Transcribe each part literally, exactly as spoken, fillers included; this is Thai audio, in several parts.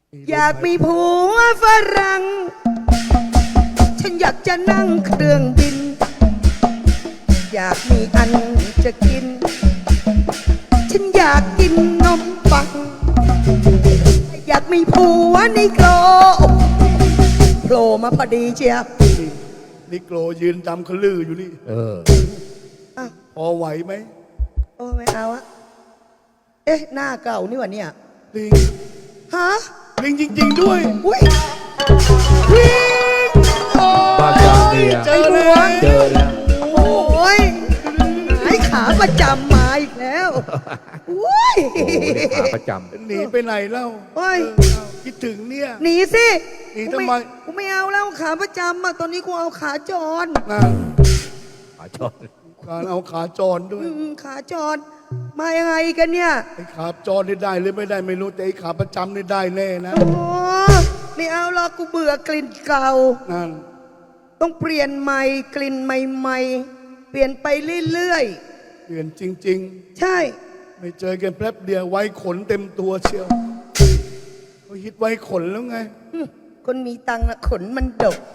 อยากมีผัวฝรั่งฉันอยากจะนั่งเครื่องบินอยากมีอันจะกินฉันอยากกินนมปังอยากมีผัวในโกลโผล่มาพอดีเชียวนิโกรยืนดำขลืออยู่นี่เออพอไหวไหมโอ้ไม่เอาอะเอ๊ะหน้าเก่านี่วะเนี่ยลิงฮะลิงจริงๆด้วยอุ้ยลิงบ้าจังเนี่ยเจอแล้วเจอแล้วโอ้ยหายขาประจำมาอีกแล้วอุ้ยขาประจำหนีไปไหนเล่าโอ้ยคิดถึงเนี่ยหนีสิหนีทำไมกูไม่เอาแล้วขาประจำอะตอนนี้กูเอาขาจรขาจรการเอาขาจรด้วยขาจรมายังไงกันเนี่ยไอ้ขาจรได้ได้หรือไม่ได้ไม่รู้แต่ไอ้ขาประจำได้ได้แน่นะโอ้ไม่เอาหรอกกูเบื่อกลิ่นเก่านั่นต้องเปลี่ยนใหม่กลิ่นใหม่ๆเปลี่ยนไปเรื่อยๆเปลี่ยนจริงๆใช่ไม่เจอกันแป๊บเดียวไว้ขนเต็มตัวเชียวเขาฮิตไว้ขนแล้วไงคนมีตังค์ขนมันดก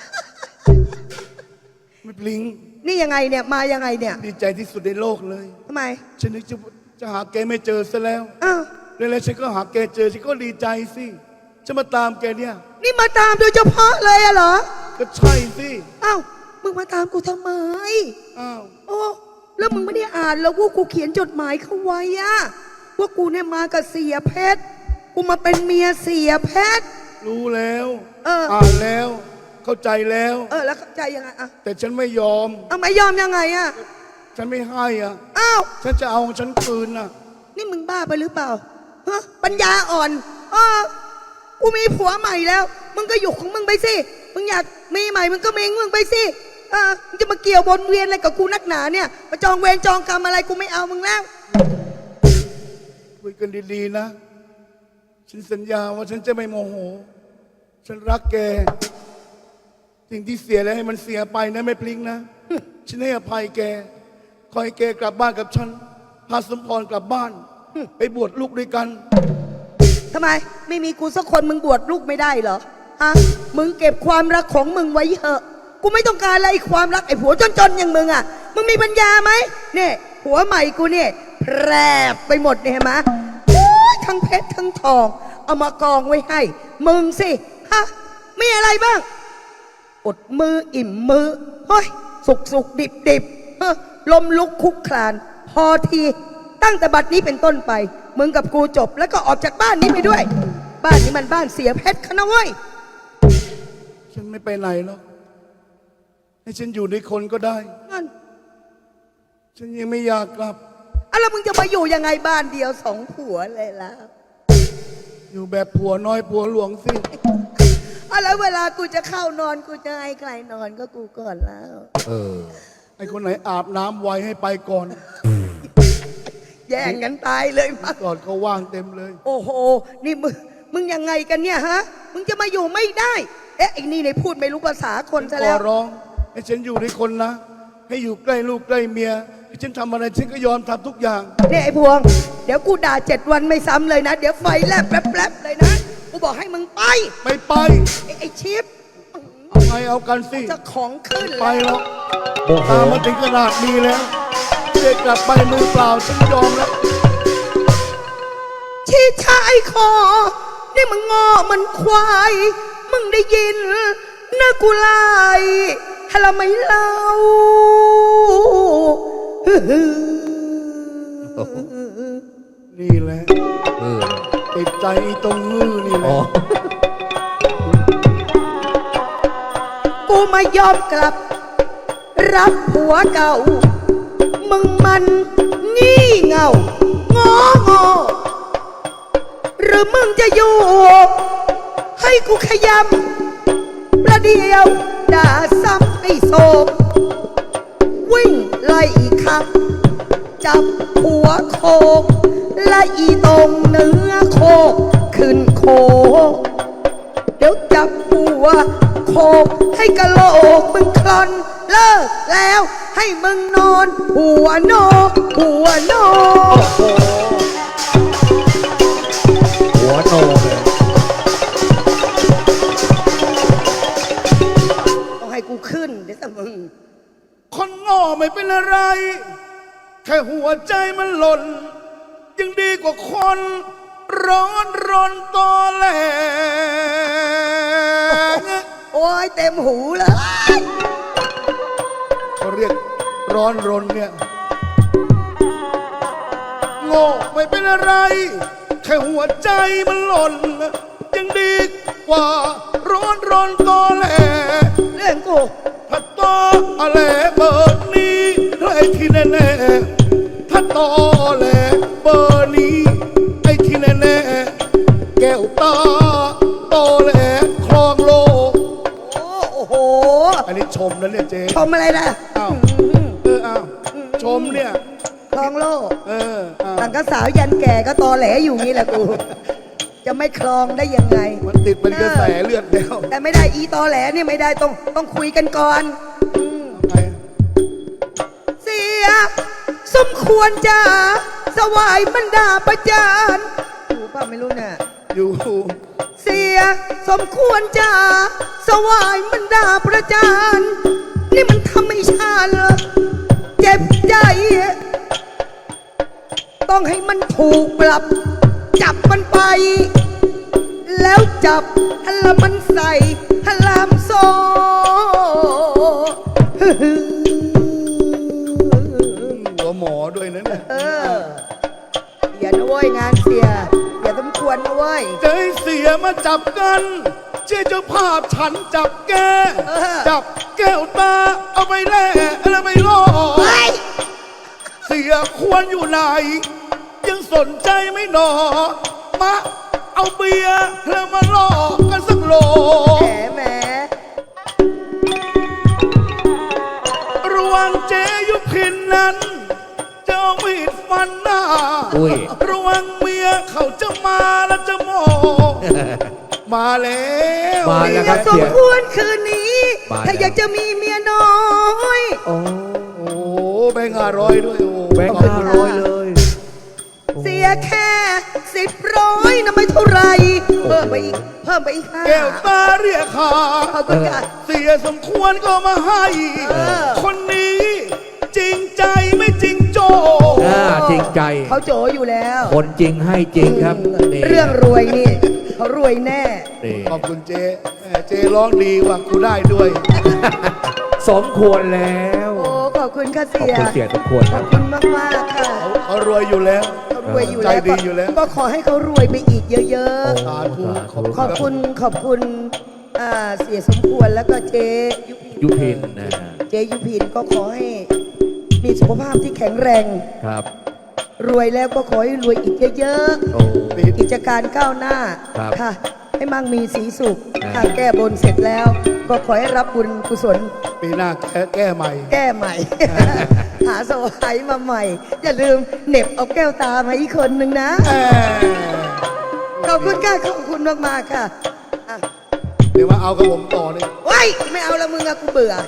ไม่ปลิงนี่ยังไงเนี่ยมายังไงเนี่ยดีใจที่สุดในโลกเลยทำไมฉันนึกจะจะหาแกไม่เจอซะแล้วอ้าวแล้วฉันก็หาแกเจอฉันก็ดีใจสิจะมาตามแกเนี่ยนี่มาตามโดยเฉพาะเลยอะเหรอก็ใช่สิอ้าวมึงมาตามกูทำไมอ้าวโอ้แล้วมึงไม่ได้อ่านแล้วว่ากูเขียนจดหมายเขาไว้อะว่ากูเนี่ยมากับเสียเพชรกูมาเป็นเมียเสียเพชรรู้แล้วเอออ่านแล้วเข้าใจแล้วเออแล้วเข้าใจยังไงอะแต่ฉันไม่ยอมเอาไม่ยอมยังไงอะฉันไม่ให้อ่ะอ้าวฉันจะเอาฉันคืนน่ะนี่มึงบ้าไปหรือเปล่าฮะปัญญาอ่อนเออกูมีผัวใหม่แล้วมึงก็อยู่ของมึงไปสิมึงอยากมีใหม่มึงก็มีมึงไปสิเออมึงจะมาเกี่ยววนเวียนอะไรกับกูนักหนาเนี่ยมาจองเวรจองกรรมอะไรกูไม่เอามึงแล้วคุยกันดีๆนะฉันสัญญาว่าฉันจะไม่โมโหฉันรักแกสิ่งที่เสียแล้วให้มันเสียไปนะไม่พลิงนะฉันให้อภัยแกขอให้แกกลับบ้านกับฉันพาสมพรกลับบ้านไปบวชลูกด้วยกันทำไมไม่มีกูสักคนมึงบวชลูกไม่ได้เหรอฮะมึงเก็บความรักของมึงไว้เถอะกูไม่ต้องการอะไรความรักไอ้ผัวจนๆอย่างมึงอ่ะมึงมีปัญญาไหมเนี่ยผัวใหม่กูเนี่ยแพร่ไปหมดเนี่ยเห็นไหมทั้งเพชรทั้งทองเอามากองไว้ให้มึงสิฮะมีอะไรบ้างอดมืออิ่มมือเฮ้ยสุกสุกดิบดิบเฮ้ลมลุกคุกคลานพอทีตั้งแต่บัดนี้เป็นต้นไปมึงกับกูจบแล้วก็ออกจากบ้านนี้ไปด้วยบ้านนี้มันบ้านเสียเพชรเขานะเว้ยฉันไม่ไปไหนหรอกให้ฉันอยู่ในคนก็ได้นั่นฉันยังไม่อยากกลับอะแล้วมึงจะมาอยู่ยังไงบ้านเดียวสองผัวเลยล่ะอยู่แบบผัวน้อยผัวหลวงสิอะแล้วเวลากูจะเข้านอนกูจะให้ใครนอนก็กูก่อนแล้วเออไอคนไหนอาบน้ำไวให้ไปก่อนแย่งกันตายเลยมาก่อนเขาว่างเต็มเลยโอ้โหนี่มึงมึงยังไงกันเนี่ยฮะมึงจะมาอยู่ไม่ได้เอ๊ะไอ้นี่ในพูดไม่รู้ภาษาคนซะแล้วขอร้องให้ฉันอยู่ในคนนะให้อยู่ใกล้ลูกใกล้เมียให้ฉันทำอะไรฉันก็ยอมทำทุกอย่างเนี่ยไอ้พวงเดี๋ยวกูด่าเจ็ดวันไม่ซ้ำเลยนะเดี๋ยวไฟแลบแป๊บๆเลยนะกูบอกให้มึงไปไม่ไปไอ้ไอ้ชิปเอาไงเอากันสิจะของขึ้นไปแล้วตามมาถึงขนาดนี้แล้วเด็กกลับไปมือเปล่าฉันยอมแล้วชี้ชายคอนี่มึงงอมันควายมึงได้ยินนะกูไล่ฮะละไม่เล่านี่แหละติดใจตรงมือนี่แหละกูมายอมกลับรับผัวเก่ามึงมันงี่เง่างองอหรือมึงจะอยู่ให้กูขยำประเดียวด่าซ้ำให้โศกวิ่งไล่ขับจับหัวโคกและอีตรงเนื้อโคกขึ้นโคกเดี๋ยวจับหัวโคกให้กะโหลกมึงคลอนเลิกแล้วให้มึงนอนหัวนอกหัวนอกหัวโนเลยไม่เป็นอะไร แค่หัวใจมันหล่นยังดีกว่าคนร้อนรนตอแหลโอ้ยเต็มหูเลยเขาเรียกร้อนรนเนี่ยโง่ไม่เป็นอะไร แค่หัวใจมันหล่นยังดีกว่าร้อนรนตอแหลเรื่องกูถ้าตอแหลเบอร์นี้ไอ้ที่แน่ๆถ้าตอแหลเบอร์นี้ไอ้ที่แน่ๆแก้วตาตอแหลคลองโลกโอ้โหอันนี้ชมนะเนี่ยเจ๊ชมอะไรนะอ้าวเอออ้าวชมเนี่ยคลองโลกเอออ้าวต่างก็สาวยันแก่ก็ตอแหลอยู่นี่แหละกู จะไม่คลองได้ยังไงมันติดเป็นกระแสเลือดแล้วแต่ไม่ได้อีตอแหลเนี่ยไม่ได้ต้องต้องคุยกันก่อนอืมไงเสีย สมควรจะสวายบรรดาประจานอยู่ป่ะไม่รู้เนี่ยอยู่เสียสมควรจะสวายบรรดาประจานนี่มันทำให้ฉันเจ็บใจ ต้องให้มันถูกปรับ จับมันไป แล้วจับฮัลละมันใส่ฮัลลามโซหัวหมอด้วยนะเนี่ยเอออย่านะเว้ยงานเสีย อย่าสมควรนะเว้ยใจเสียมาจับกันเจ้าเจ้าภาพฉันจับแกเออจับแก้วตาเอาไปแล่แล้วไปล่อเฮ้ยเสียควรอยู่ไหน ยังสนใจไม่หนอ มาเอาเบียร์แล้วมาล่อกันสักโหลแหมแหมระวังเจยุพินนั้นจะเอามีดฟันหน้าอุ้ยระวังเมียเขาจะมาแล้วจะโม มาแล้วมาเสีแล้วยครับสมควรคืนนี้มาแล้วถ้าอยากจะมีเมียน้อยโอ้โอ้โหแบงค์ห้าร้อยด้วยโอ้แบงค์ห้าร้อยเลยเสียแค่สิบร้อยนะไม่เท่าไหรเพิ่มไปอีก เพิ่มไปอีกห้าแก้วตาเรียกขาขอบคุณค่ะเสียสมควรก็มาให้เออคนนี้จริงใจไม่จริงโจอ่าจริงใจเขาโจอยู่แล้วคนจริงให้จริงครับนี่เรื่องรวยนี่ เขารวยแน่นี่ขอบคุณเจแหม่เจร้องดีว่ะกูได้ด้วยสมควรแล้วโอ้ ขอบคุณค่ะขอบเสียคุณเสียสมควรขคอรับบ คุณมากมากๆค่ะเขารวยอยู่แล้วเขารวยอยู่ใจแล้วดีอยู่แล้วก็ขอให้เขารวยไปอีกเยอะสาธุขอบๆ ขอบคุณ ขอบคุณอ่าเสียสมควรแล้วก็เจยุพินยุพินนะเจยุพินก็ขอให้มีสุขภาพที่แข็งแรงครับรวยแล้วก็ขอให้รวยอีกเยอะโอ้ๆ กิจการก้าวหน้าครับค่ะ ให้มั่งมีสีสุขอ่าถ้าแก้บนเสร็จแล้ว ก็ขอให้รับบุญกุศลปีหน้าแก้แก้ใหม่แก้ใหม่ หาสวายมาใหม่ อย่าลืมเหน็บเอาแก้วตามาอีกคนหนึ่งนะแหม่ขอบคุณค่ะ ขอบคุณมากๆค่ะอ่ะเดี๋ยวมาเอากับผมต่อเลยว้ายไม่เอาละมึงอะกูเบื่อ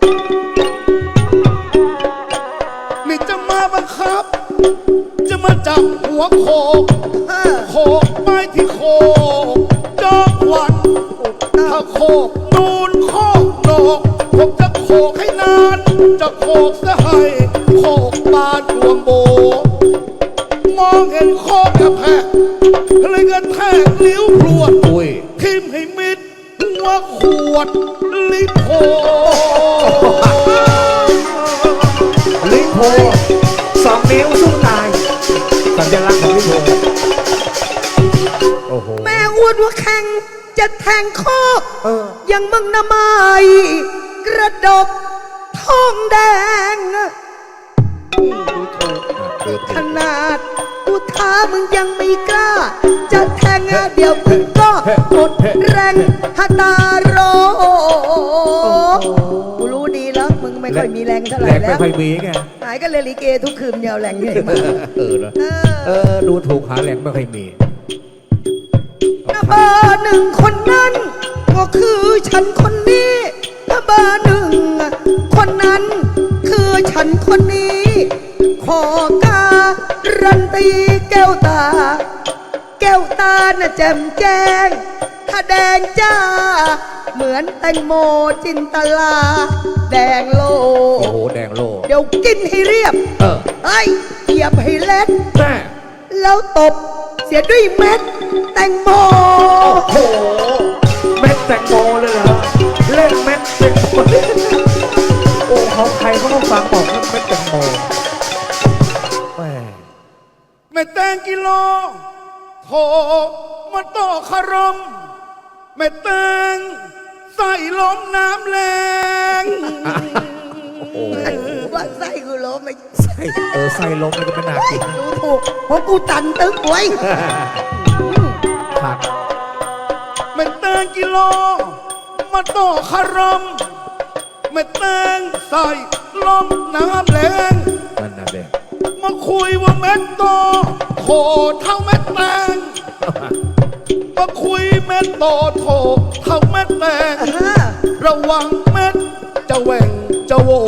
นี่จะมาบังคับ จะมาจับหัวโคกเออโคกไปที่โคกจอมขวัญ ถ้าโคกนูนโคกโหนกผมจะโคกให้นาน จะโคกซะให้โคกบานดวงโบ มองเห็นโคกกระแพกเลยกระแทกลิ้วพรวดอุ้ยทิมให้มิดหัวขวดลิโพลิโพสองนิ้วสู้ตาย สัญลักษณ์ของลิโพโอ้โหแม่อวดว่าแข่งจะแทงคอกเออยังมึงนะไม่กระดกทองแดง ขนาดกูท้ามึงยังไม่กล้า จะแทงอ่ะเดี๋ยวมึงก็หมดแรงฮาตาโรกูรู้ดีแล้วมึงไม่ค่อยมีแรงเท่าไหแหลร่กแล้ไม่วค่อยมีไงหายก็เลยลิเกทุกคืนยาวแรงเหนื่อยมากเออเนอะเอเอออ ดูถูกหาแหลกไม่ค่อยมีถ้าเบอร์หนึ่งคนนั้น ก็คือฉันคนนี้ถ้าเบอร์หนึ่งคนนั้น คือฉันคนนี้ ขอการันตีแก้วตา แก้วตาน่ะแจ่มแจ้ง ถ้ถ้าแดงจ้า เหมือนแตงโมจินตลา แดงโลโอ้โห แดงโลเดี๋ยวกินให้เรียบเออเฮ้ยเหยียบให้เล็ดแม่แล้วตบเสียด้วยเม็ดแตงโมโอ้โห เม็ดแตงโมเลยเหรอ เล่นเม็ดแตงโมโอ้เขาใครเขาต้องฟังบอกเล่นเม็ดแตงโมแม่แม่แตงกิโลโถมาต่อคารมแม่แตงใส่ล้มน้ำแรงโอ้โหว่าไส้กูล้มไม่ใส่เออใส่ลมมันก็ไม่น่ากินดูถูกเพราะกูตันตึกไว้ผักแม่แตงกิโลมาต่อคารมแม่แตงใส่ล้มน้ำแรงนั่นน่ะเด็กมาคุยว่าเม็ดโตโถเท่าเม็ดแตงมาคุยเม็ดโตโถเท่าเม็ดแตงอ่าระวังเม็ดจะแหว่งจะโหว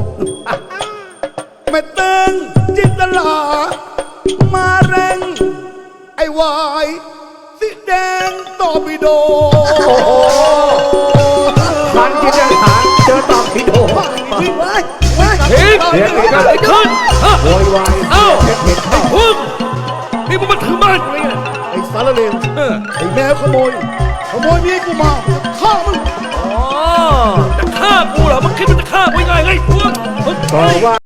เม็ดแตงจินตลา มาแรงไอ้วายสีแดงตอบิโดทานกินอาหารเจอตอมพิโดว้ายว้ายเฮ้ยเสียงเกิดอะไรขึ้นโวยวายเอ้าเผ็ดเผ็ดเข้าพึ่งนี่มึงมาถึงบ้านกูเลยไงไอ้สารเลวเออไอ้แมวขโมย ขโมยเมียกูมาฆ่ามึงอ๋อจะฆ่ากูเหรอมึงคิดว่าจะฆ่ากูยังไงไงพวกบอกว่า